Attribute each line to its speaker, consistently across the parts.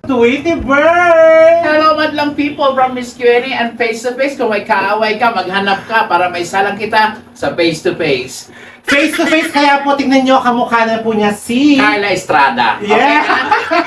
Speaker 1: Tweety Bird!
Speaker 2: Hello, madlang people from Miss Q&A and face-to-face. Kung may kaaway ka, maghanap ka para may salang kita sa face-to-face.
Speaker 1: Face to face, kaya po tingnan nyo, kamukha na po niya si...
Speaker 2: Carla Estrada. Okay
Speaker 1: Yeah!
Speaker 2: na?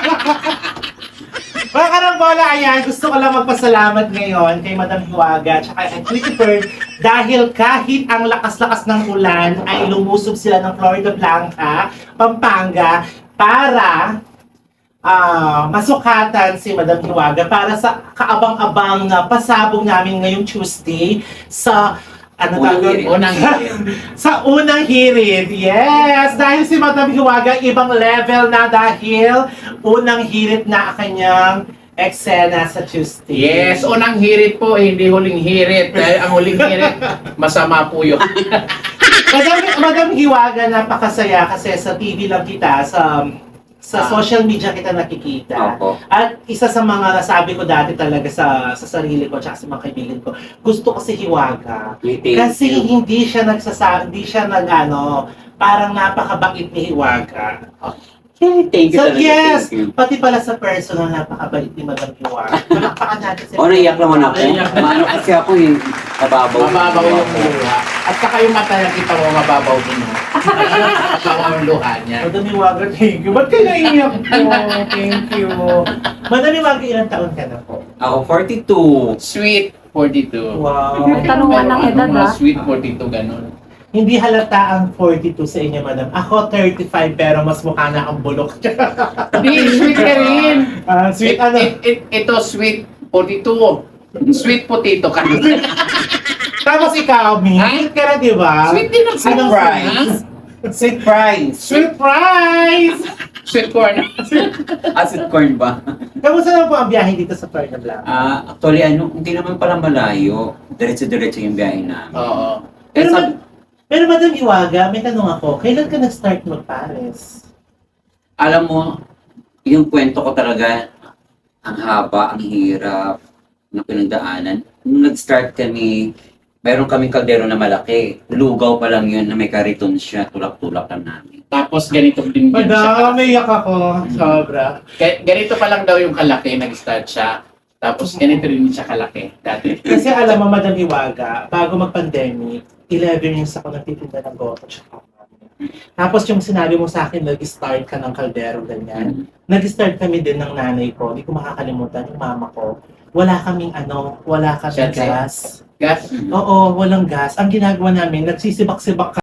Speaker 1: Mga karambola, ayan, gusto ko lang magpasalamat ngayon kay Madam Hiwaga at kay Tweety Bird dahil kahit ang lakas-lakas ng ulan ay lumusob sila ng Florida Blanca, Pampanga para masukatan si Madam Hiwaga para sa kaabang-abang na pasabog namin ngayong Tuesday sa
Speaker 2: Unang hirit.
Speaker 1: sa unang hirit. Yes! Dahil si Madam Hiwaga ibang level na dahil unang hirit na kanyang eksena sa Tuesday.
Speaker 2: Yes, unang hirit po, hindi huling hirit. Dahil ang huling hirit, masama po yun.
Speaker 1: Madam Hiwaga, napakasaya kasi sa TV lang kita, sa social media kita nakikita.
Speaker 3: Opo.
Speaker 1: At isa sa mga nasabi ko dati talaga sa sarili ko at sa mga kaibigan ko, gusto ko si Hiwaga. Kasi hindi siya parang napakabait ni Hiwaga.
Speaker 3: Thank you
Speaker 1: So
Speaker 3: talaga,
Speaker 1: yes,
Speaker 3: thank you.
Speaker 1: pati pala sa personal, napakabait ni Madam Hiwaga. Palakpakan natin si
Speaker 3: Naiyak naman ako.
Speaker 2: Naiyak.
Speaker 3: Maano kasi ako eh. Mababaw.
Speaker 2: Mababaw yung luha. At saka yung mata na kita mo, mababaw din mo. Mababaw yung luha niya.
Speaker 1: Madam Hiwaga, thank you. Ba't kayo naiiyak po? Thank you. Madam Hiwaga, ilang taon ka na po?
Speaker 3: Ako 42.
Speaker 2: Sweet 42.
Speaker 1: Wow.
Speaker 4: May tanungan ng edad,
Speaker 2: Mga
Speaker 4: ah.
Speaker 2: Sweet 42, ganun.
Speaker 1: Hindi halata ang 42 sa inyo, madam. Ako 35 pero mas mukha na ang bulok.
Speaker 2: Hindi, sweet ka rin.
Speaker 1: Sweet ano?
Speaker 2: Ito, sweet 42. Sweet potato ka.
Speaker 1: Tapos ikaw, Mi?
Speaker 2: Ha?
Speaker 1: Sweet ka na, di ba?
Speaker 2: Sweet din ang sweet
Speaker 1: Anong
Speaker 2: fries.
Speaker 3: Sweet fries.
Speaker 1: Sweet fries!
Speaker 2: Sweet corn.
Speaker 3: Acid corn ba?
Speaker 1: Kamusta naman po ang biyahe dito sa Florida Blanca?
Speaker 3: Actually, hindi naman pala malayo. Diretso-diretso yung biyahe namin.
Speaker 2: Oo.
Speaker 1: Pero Madam Hiwaga, may tanong ako, kailan ka nag-start mag-Paris?
Speaker 3: Alam mo, yung kwento ko talaga, ang haba, ang hirap, na pinagdaanan. Nung nag-start kami, mayroon kaming kaldero na malaki. Lugaw pa lang yun na may kariton siya, tulak-tulak lang namin.
Speaker 2: Tapos ganito din yan siya.
Speaker 1: Madam, may iyak ako. Sobra.
Speaker 2: Ganito pa lang daw yung kalaki, nag-start siya. Tapos ganito rin siya kalaki dati.
Speaker 1: Kasi alam mo, Madam Hiwaga, bago mag-pandemic, 11 years ako nagtitinda ng goto tsaka ramen. Tapos yung sinabi mo sa akin, nag-start ka ng kaldero, ganyan. Nag-start kami din ng nanay ko, hindi ko makakalimutan, yung mama ko. Wala kaming wala kaming
Speaker 2: Siyempre.
Speaker 1: gas.
Speaker 2: Gas.
Speaker 1: Oo, walang gas. Ang ginagawa namin, nagsisibak-sibak